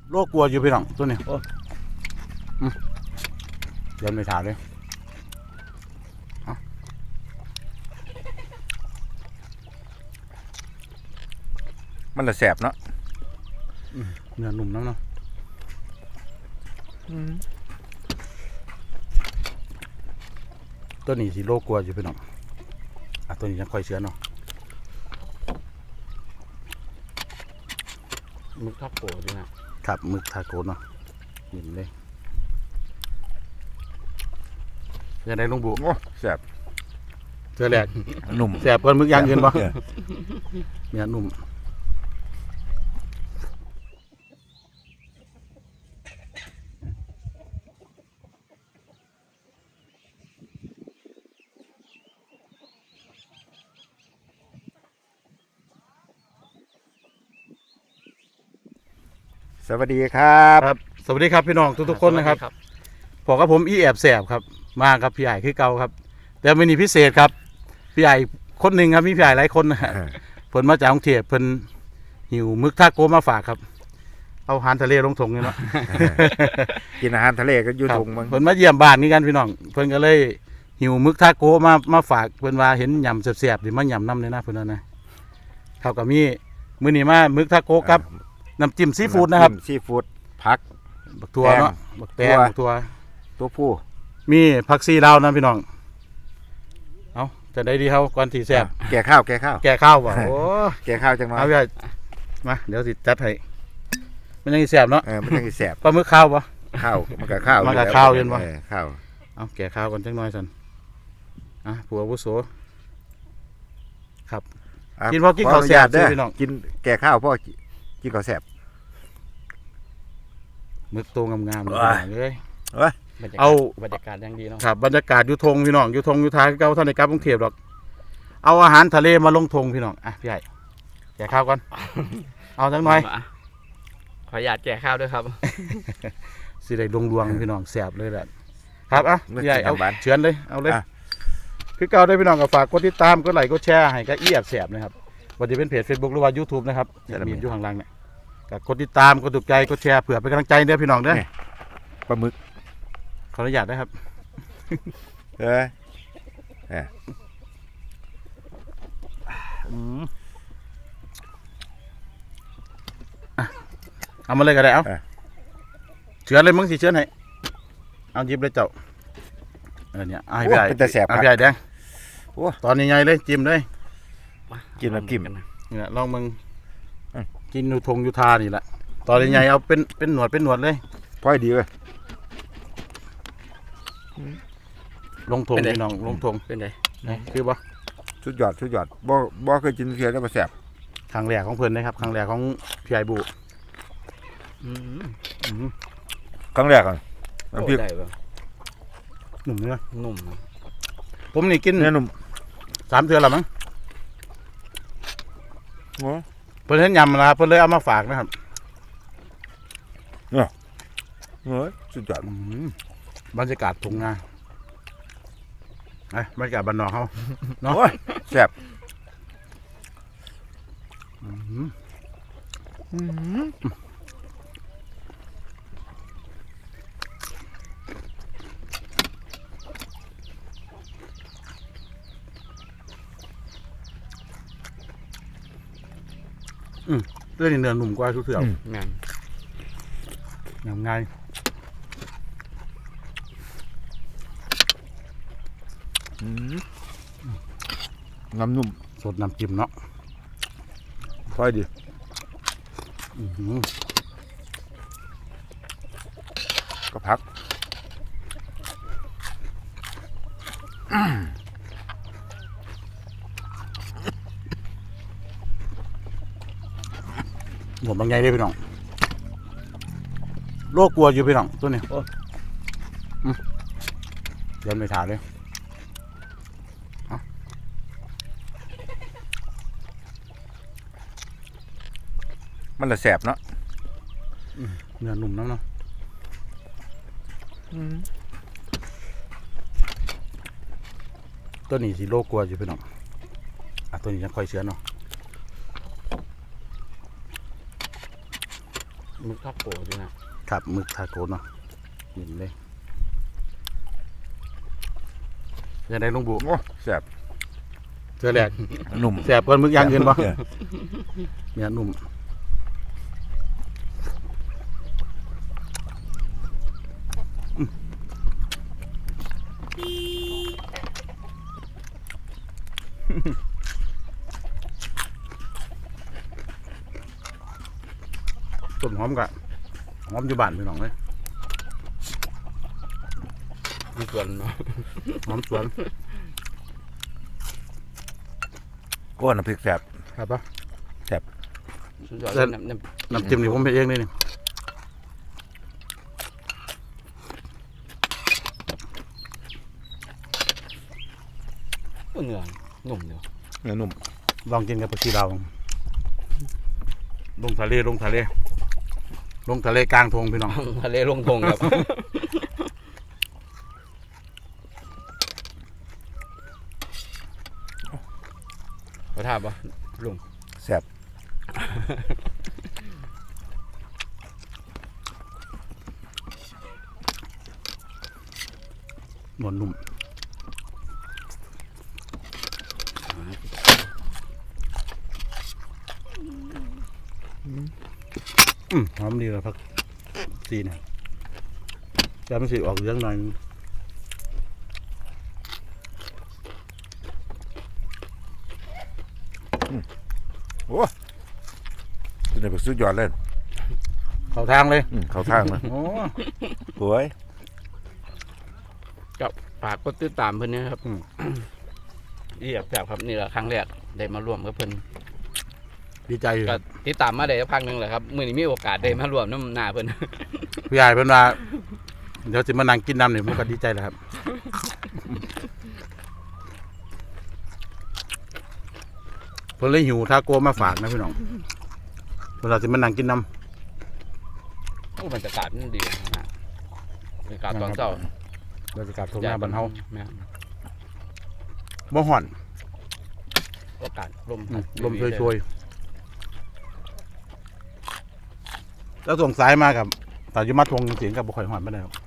โรคกลัวอยู่พี่น้องตัวนี้เดินไปถามเลยมันละแสบเนาะเนื้อนุ่มน้ำเนาะตัวนี้สิโรคกลัวอยู่พี่น้องตัวนี้ยังค่อยเชื้อเนาะมึกทับโกดีนะครับมึกทาโกเนาะเห็นเลยยังได้ลุงบุโอ้แสบเจอแหลกนุ่มแสบเกินมึกย่างเกินปะเนี่ยนุ่มสวัสดีครับสวัสดีครับพี่น้องทุกๆคนนะครับผมกับผมอีแอบแสบครับมากับพี่ใหญ่คือเก่าครับแต่วันนี้พิเศษครับพี่ใหญ่คนหนึ่งครับมีพี่ใหญ่หลายคนนะเพิ่นมาจากกรุงเทพเพิ่นหิวมึกทาโกมาฝากครับเอาอาหารทะเลลงถุงเลยเนาะกินอาหารทะเลก็อยู่ถุงมึงเพิ่นมาเยี่ยมบ้านนี่กันพี่น้องเพิ่นก็เลยหิวมึกทาโกมาฝากเพิ่นว่าเห็นยำแซ่บๆดิมายำน้ำเลยนะเพิ่นนะเท่ากับมีมื้อนี้มามึกทาโกกับน้ำจิ้มซีฟู้ดนะครับซีฟู้ดผักบักทัวเนาะบักแตงบักทัวตัวผู้มีผักซีลาวนะพี่น้องเอาจะได้ดีเขาก่อนที่แซ่บแก่ข้าวว่ะโอ้แก่ข้าวจังมาเอาไปมาเดี๋ยวสิจัดให้มันยังแซ่บเนาะมันยังแซ่บปลาหมึกข้าวปะข้าวมันกับข้าวมันกับข้าวเย็นปะข้าวเอาแก่ข้าวก่อนจังน้อยสันผัวอาวุโสครับกินพอกินข้าวแซ่บพี่น้องกินแก่ข้าวพ่อกินข้าวแซ่บมึกโตงามๆเลยเอาบรรยากาศยังดีเนาะครับบรรยากาศอยู่ทงพี่น้องอยู่ทงอยู่ท้ายเก่าท่านในกราฟกรุงเทพหรอกเอาอาหารทะเลมาลงทงพี่น้องพี่ใหญ่แก่ข้าวก่อนเอาจังน้อยขออยากแก่ข้าวด้วยครับสิได้ดวงพี่น้องแสบเลยแหละครับพี่ใหญ่เอาเชิญเลยเอาเลยคือเก่าได้พี่น้องก็ฝากกดติดตามกดไลค์กดแชร์ให้ก็แอบแสบนะครับวันนี้เป็นเพจ Facebook หรือว่า YouTube นะครับมีอยู่ข้างล่างเนี่ยกดติดตามกดถูกใจกดแชร์เผื่อเป็นกำลังใจเด้อพี่น้องเด้อปลาหมึกขออนุญาตนะครับเอามาเลยก็ได้เอาเชื้อเลยมึงสิเชื้อไหนเอายิบเลยเจ้าเนี่ยให้พี่ใหญ่เป็นแต่แสบพี่ใหญ่แดงตอนใหญ่ๆเลยจิ้มเลยกินน้ำจิ้มเนี่ยลองมึงกินนูทงยูทานี่แหละตอนใหญ่เอาเป็นหนวดเลยพอดีเลยลงทงพี่น้องลงทงเป็นไงคือบ่สุดยอดบ่เคยกินเพียแล้วมาแสบครั้งแรกของเพิ่นนะครับครั้งแรกของพี่ใหญ่บุครั้งแรกอ่ะน้ำพริกหนุ่มเนื้อนุ่มผมนี่กินเนื้อหนุ่ม 3 เทื่อแล้วมั้งเพิ่นเห็นยำนะครับเพิ่นเลยเอามาฝากนะครับสุดยอดบรรยากาศทุ่งนาบรรยากาศบ้านนอกเขาเนาะแซ่บเรื่องนี้เนื้อหนุ่มกว่าทุกเถื่อนง่ายน้ำนุ่มสดน้ำจิ้มเนาะค่อยดีก็พักหมดบางไงเลยพี่น้องโรคกลัวอยู่พี่น้องตัวนี้เดินไปถามเลยมันละแสบเนาะเนื้อนุ่มน้ำเนาะตัวนี้สิโรคกลัวอยู่พี่น้องตัวนี้ยังค่อยเชื้อเนาะหมึกทาโก้พี่นะครับหมึกทาโก้เนาะกินเลยยังไงลุงบุโอ้แซ่บเจอแหลกนุ่มแสบก่อนมึกอย่างอื่นบ่เนี่ยนุ่มต้นหอมกะหอมอยู่บ้านพี่น้องเลยมีส่วนเนาะหอมสวนก้อนน้ำพริกแซ่บครับปะสุดยอดเส้นน้ำน้ำจิ้มนี่ผมไปเองเลยนี่เนื้อนุ่มเดียวเนื้อนุ่มลองกินกับผักชีลาวลงทะเลลงทะเลลงทะเลกลางทงพี่น้องทะเลลงทงครับขอทาบปะลุงแซ่บนวลนุ่มหอมดีเลยพักซีเนี่ยจะไม่สิออกเรื่องหน่อยโอ้นี่เป็นสุดยอดเลยเข้าทางเลยเขาทางนะโอ้สวยกับฝากกดติดตามเพิ่นนะครับอีแบบครับนี่แหละครั้งแรกได้มาร่วมกับเพิ่นดีใจอยู่ก็ติดตามมาได้สักพักหนึงแหละครับมื้อนี้มีโอกาสได้มาร่วมน้ำหน้าเพิ่นพี่ใหญ่เป็นว่าเดี๋ยวจะมานั่งกินน้ำเนี่ยผมก็ดีใจแล้วครับเพิ่นเลยหิวทาโก้มาฝากนะพี่น้องเวลาจะมานั่งกินน้โอ้บรรยากาศมันดีนะบรรยากาศตอนเช้าำบรรยากาศทงหน้าบ้านเฮาแม่นบ่ห่อนอากาศลมลมช่วยๆแล้วส่งสายมากับแต่ยุมาทวงเสียงกับบุคคลห่อนไม่ได้ครับ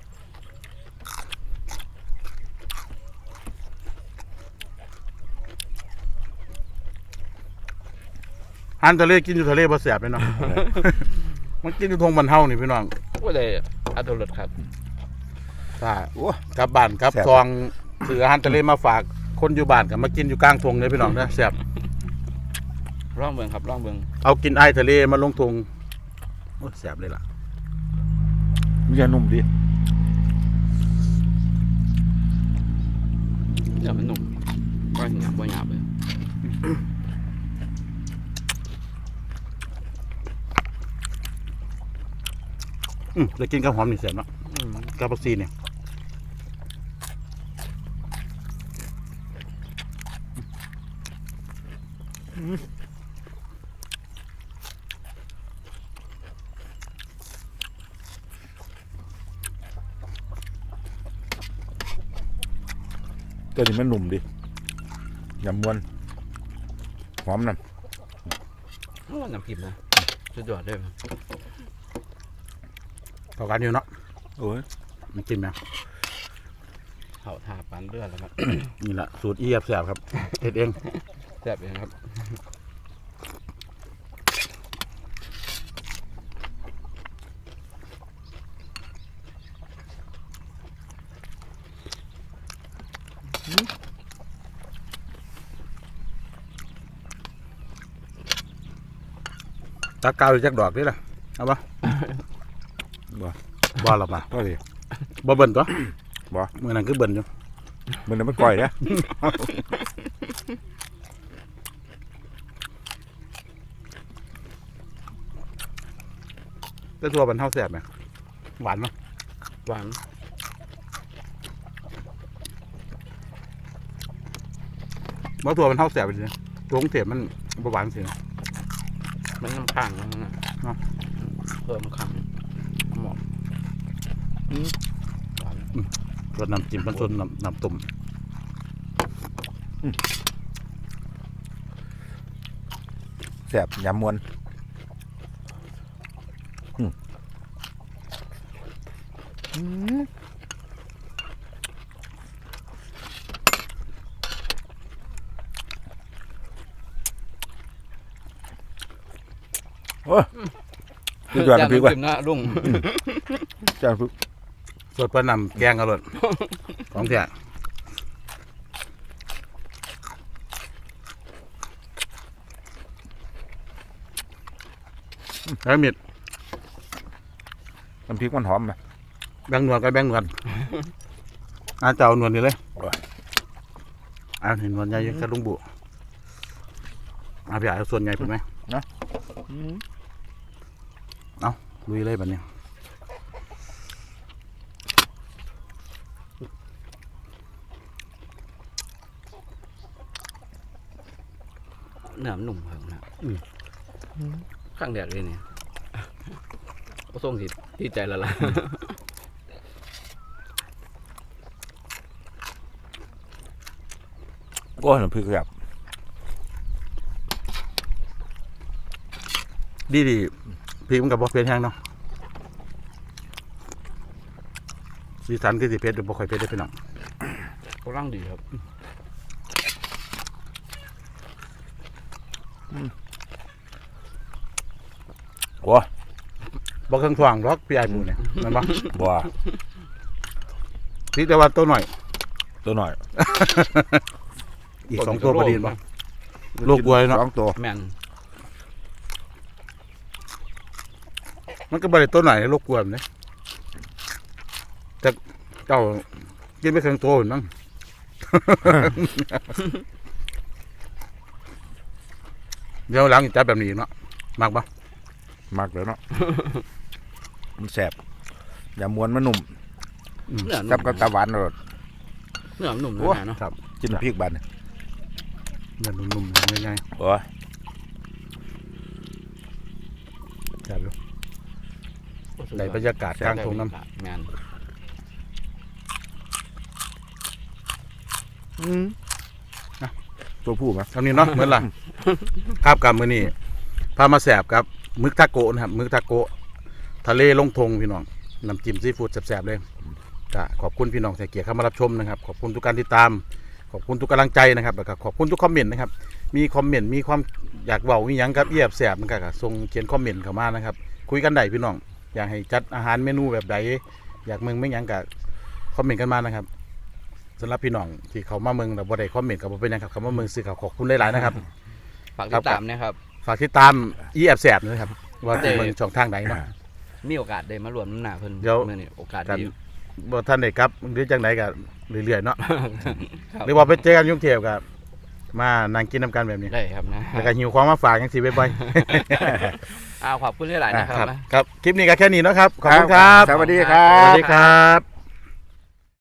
หันทะเลกินอยู่ทะเลบ่แสบเลยเนาะ มันกินอยู่ทงบ้านเฮานี่พี่น้องก็เลยอัตรสครับถ้าโอ้กลับบ้านครับแซ่บซองซื้ออาหารทะเลมาฝากคนอยู่บ้านกับมากินอยู่กลางทงเลยพี่น้องนะแสบร่องเบิงครับร่องเบิงเอากินไอทะเลมาลงทงโอ้แสบเลยล่ะมันจะนุ่มดีเดี๋ยวมันหนุ่มก็หยาบบ่หยาบเลยจะกินกับหอมนี่แสบเนาะอืมกับผักชีเนี่ยตัวนี้มันนุ่มดียำมวนหอมน้โอ้น้ำพริกนะสุดยอดเลยครับเข้ากันอยู่เนาะำโอ้ยมันกินไหมเขาทาปานเลือดแล้วครับนี่แหละสูตรเอียบแสบครับเฮ็ดเองแซ่บเองครับตาเกาอยู่จักดอกนี่ล่ะเอาปะบ่บ่หรอกป่ะก็ดีบ่เบิ่นตัวบ่มื้อนั้นคือเบิ่นอยู่มันไม่ก่อยนะแต่ตัวมันเท่าแสบไหมหวานมั้ยหวานบ่ตัวมันเท่าแสบไปสิตัวของเทพมันบ่หวานสินะมันน้ำขังนะเนาะเพิ่มขังหมอก หวานรสน้ำจิ้มมันส่วนน้ำต้มแซ่บยำมวนโอ้ยสุดยอดน้ำพริกว่ะจิ้มนะลุงจ้าพริกสดปลาหนำแกงอร่อยของแท้แล้วมิดน้ำพริกมันหอมไหมแบงหนวดกับแบงหนวดเจ้าหนวดนี่เลยเห็นหนวดใหญ่อยังกระลุงบุพี่เอาส่วนใหญ่เป็นไหมลุยเลยแบบนี้เนื้อมันหนุ่มครับนะข้างแดดเลยเนี่ยก็ส่งสิที่ใจละล่ะโอ้ยน้ำพริกแบบดีพี่มันกับบอเพชรแห้งเนาะสีสันคือสีเพชรหรือบอคอยเพชรได้พี่น้องก็ร่างดีครับโอ้ยบอกเครื่องถ่วงล็อกพี่ไอ้บูเนี่ยนั่นปะบัวพี่แต่ว่าตัวหน่อยตัวหน่อยอีก2 ตัวพอดีปะลูกบัวเนาะ 2 ตัวแม่นมันก็บริตัวหน่อยลูกบัวมันเนี่ยแต่เจ้ากินไม่เครื่องโตอยู่นั่ง เดี๋ยวหลังจับแบบนี้เนาะมากปะมักเลยเนาะ มันแสบอย่ามวนมันหนุ่มเนื้อหกับนุ่มตะหวานรสเนื้อหนุ่มนะเนาะครับจิ้มน้ำพริกบานเนี่ยเนื้อนุ่มๆง่ายโอ้ยๆจับดูในบรรยากาศกลางทุ่งน้ำแม่นตัวผู้ไหมเท่านี้เนาะเหมือนล่ะ ครับกับมือนี้พามาแสบครับมึกทาโกะนะครับมึกทาโกะทะเลลงทงพี่น้องน้ำจิ้มซีฟู้ดแสบๆเลยก็ขอบคุณพี่น้องที่เกียรติเข้ามารับชมนะครับขอบคุณทุกการติดตามขอบคุณทุกกำลังใจนะครับแล้วก็ขอบคุณทุกคอมเมนต์นะครับมีคอมเมนต์มีความอยากเว้ามีหยังครับเอียบแสบมันก็ส่งเขียนคอมเมนต์เข้ามานะครับคุยกันได้พี่น้องอยากให้จัดอาหารเมนูแบบใดอยากเมืองไม่หยังก็คอมเมนต์กันมานะครับสำหรับพี่น้องที่เขามาเมืองแต่บ่ได้คอมเมนต์กับบ่เป็นหยังครับเขามาเมืองซื้อเขาขอบคุณหลายๆนะครับฝากติดตามนะครับฝากติดตามอีแอบแสบนะครับว่าจะเมืองช่องทางไหนเนาะมีโอกาสได้มารวมน้ำหนาเพิ่นเดี๋ยวมื่อนี้โอกาสกันดีบ่ท่านได้ครับหรือจังไหนก็เรื่อยๆเนาะครับหรือว่าไปเจอกันยุ่งเทียบกับมานั่งกินน้ำกันแบบนี้ได้ครับนะแล้วก็หิวของมาฝากยังสิบ่อยขอบคุณหลายๆนะคๆรับครับคลิปนี้ก็แค่นี้เนาะครับขอบคุณครับสวัสดีครัสวัสบดีครับ